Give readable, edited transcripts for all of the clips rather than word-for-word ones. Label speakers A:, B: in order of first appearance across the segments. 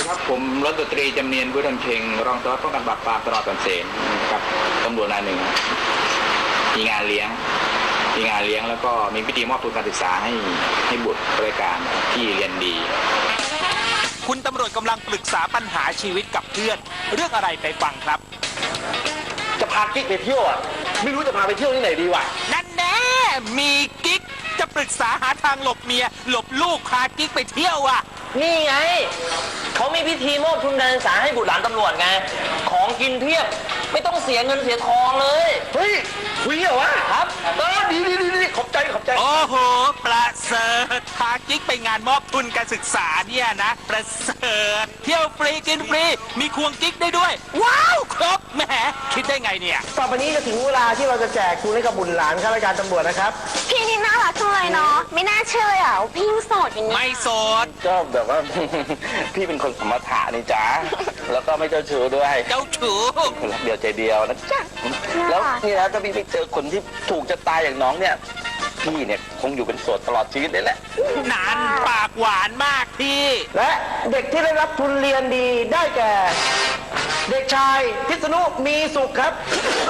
A: ครับผมร้อยตำรวจตรีจำเนียนบุญเพ็งรองสารวัตรป้องกันปราบปรามตลอดสันเสนกับตำรวจนายหนึ่งมีงานเลี้ยงแล้วก็มีพิธีมอบทุนการศึกษาให้บุตรบริการที่เรียนดี
B: คุณตำรวจกำลังปรึกษาปัญหาชีวิตกับเพื่อนเรื่องอะไรไปฟังครับ
C: จะพากิ๊กไปเที่ยวอ่ะไม่รู้จะพาไปเที่ยวที่ไหนดีวะ
B: นั่นแน่มีกิ๊กจะปรึกษาหาทางหลบเมียหลบลูกพากิ๊กไปเที่ยวอ่ะ
D: นี่ไงเขามีพิธีมอบทุนการศึกษาให้บุตรหลานตำรวจไงของกินเพียบไม่ต้องเสียเงินเสียทองเลย
C: เฮ้ยคุยเหรอวะ
D: ครับ
C: ดีขอบใจ
B: โอ้โหประเสริฐพากิ๊กไปงานมอบทุนการศึกษาเนี่ยนะประเสริฐเที่ยวฟรีกินฟรีมีควงกิ๊กได้ด้วยว้าวครบแหมคิดได้ไงเนี่ย
C: ต่อไปนี้จะถึงเวลาที่เราจะแจกทุนให้กับบุตรหลานข้าราชการตำรวจนะครับ
E: พี่นี่น่ารักจังเลยเนาะไม่น่าเชื่อเลยอ่ะพี่ยังโสดอย่างนี้
B: ไม่โสด
C: ก็แบบว่า พี่เป็นคนสมถะนี่จ้าแล้วก็ไม่เจ้าชู้ด้วย
B: เจ้าชู้
C: คนรักเดียวใจเดียวนะจ๊ะแล้วนี่นะถ้าพี่ไปเจอคนที่ถูกจะตายอย่างน้องเนี่ยพี่เนี่ยคงอยู่เป็นโสดตลอดชีวิตเลยแหละ
B: นานปากหวานมากพี่
C: และเด็กที่ได้รับทุนเรียนดีได้แก่เด็กชายพิษณุมีสุขครับ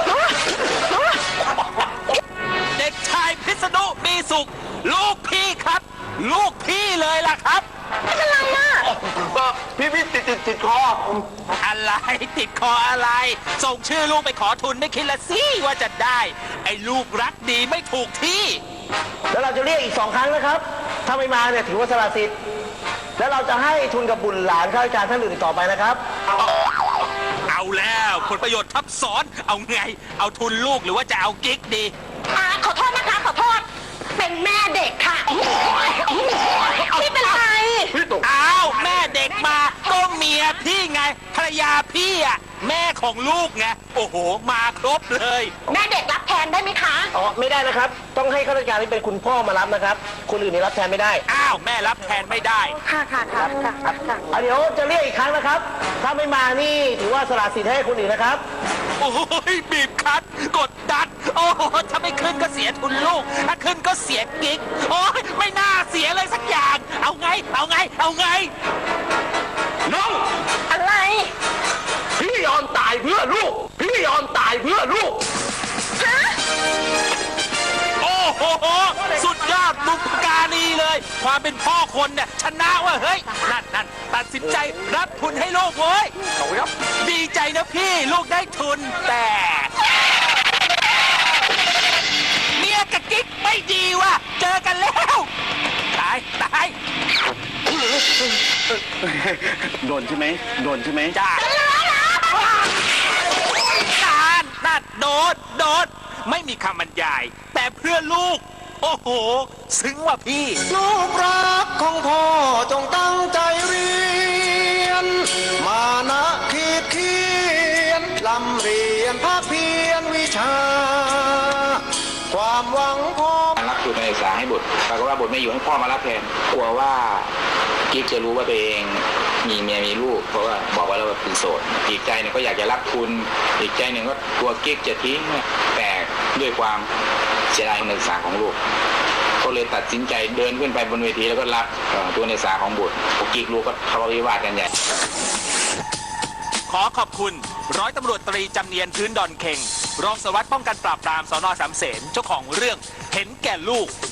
B: เด็กชายพิษณุมีสุขลูกพี่ครับลูกพี่เลยล่ะครับ
E: ไม่เป็นไรอ่ะ
C: พี่ติดคอ
B: อะไรติดคออะไรส่งชื่อลูกไปขอทุนไม่คิดละสิว่าจะได้ไอ้ลูกรักดีไม่ถูกที่
C: แล้วเราจะเรียกอีก2 ครั้งนะครับถ้าไม่มาเนี่ยถือว่าสละสิทธิ์แล้วเราจะให้ทุนกับบุตรหลานข้าราชการท่านอื่นต่อไปนะครับ
B: เอาแล้วผลประโยชน์ทับซ้อนเอาไงเอาทุนลูกหรือว่าจะเอากิ๊กดี
E: ขอโทษนะคะขอโทษเป็นแม่เด็กค่ะพี่เป็นไร
B: อ้าวแม่เด็กมาก็เมียพี่ไงภรรยาพี่อ่ะแม่ของลูกไงโอ้โหมาครบเลย
E: แม่เด็กรับแทนได้ไหมคะ
C: ไม่ได้นะครับต้องให้ข้าราชการที่เป็นคุณพ่อมารับนะครับคนอื่นนี่รับแทนไม่ได้
B: อ้าวแม่รับแทนไม่ได้
E: ค่ะ
C: เดี๋ยวจะเรียกอีกครั้งนะครับถ้าไม่มานี่ถือว่าสละสิทธิ์ให้คนอื่นนะครับ
B: โอ้ยบีบคั้นกดดันโอ้โหถ้าไม่ขึ้นก็เสียทุนลูกถ้าขึ้นก็เสียกิ๊กโอ้ยไม่น่าเสียเลยสักอย่างเอาไง
C: น้อง
E: อะไร
C: พี่ยอมตายเพื่อลูก
E: ฮะ
B: โอ้โหสุดยอดบุพการีเลยความเป็นพ่อคนเนี่ยชนะว่าเฮ้ยนั่นตัดสินใจรับทุนให้ลูกเว้ยดีใจนะพี่ลูกได้ทุนแต่เมียกับกิ๊กไม่ดีว่ะเจอกันแล้วตาย
C: โดนใช่ไหม
B: จ้านั่นโดนไม่มีคำบรรยายแต่เพื่อลูกโอ้โหซึ้งว่ะพี่
F: ลูกรักของพ่อจงตั้งใจเรียนมานะขีดเขียนลำเรียนภาคเพียรวิชาความหวังพ่อ
A: รับทุนการศึกษาให้บุตรปรากฏว่าบุตรไม่อยู่ให้พ่อมารับแทนกลัวว่ากิ๊กจะรู้ว่าตัวเองมีเมียมีลูกเพราะว่าบอกว่าเราเป็นโสดอีกใจหนึ่งก็อยากจะรับทุนอีกใจหนึ่งก็กลัวกิ๊กจะทิ้งแต่ด้วยความเสียดายการศึกษาของลูกก็เลยตัดสินใจเดินขึ้นไปบนเวทีแล้วก็รับตัวการศึกษาของบุตรพอกิ๊กรู้ก็ทะเลาะวิวาทกันใหญ่
B: ขอขอบคุณร้อยตำรวจตรีจำเนียนพื้นดอนเข่งรองสารวัตรป้องกันปราบปรามสน.สามเสนเจ้าของเรื่องเห็นแก่ลูก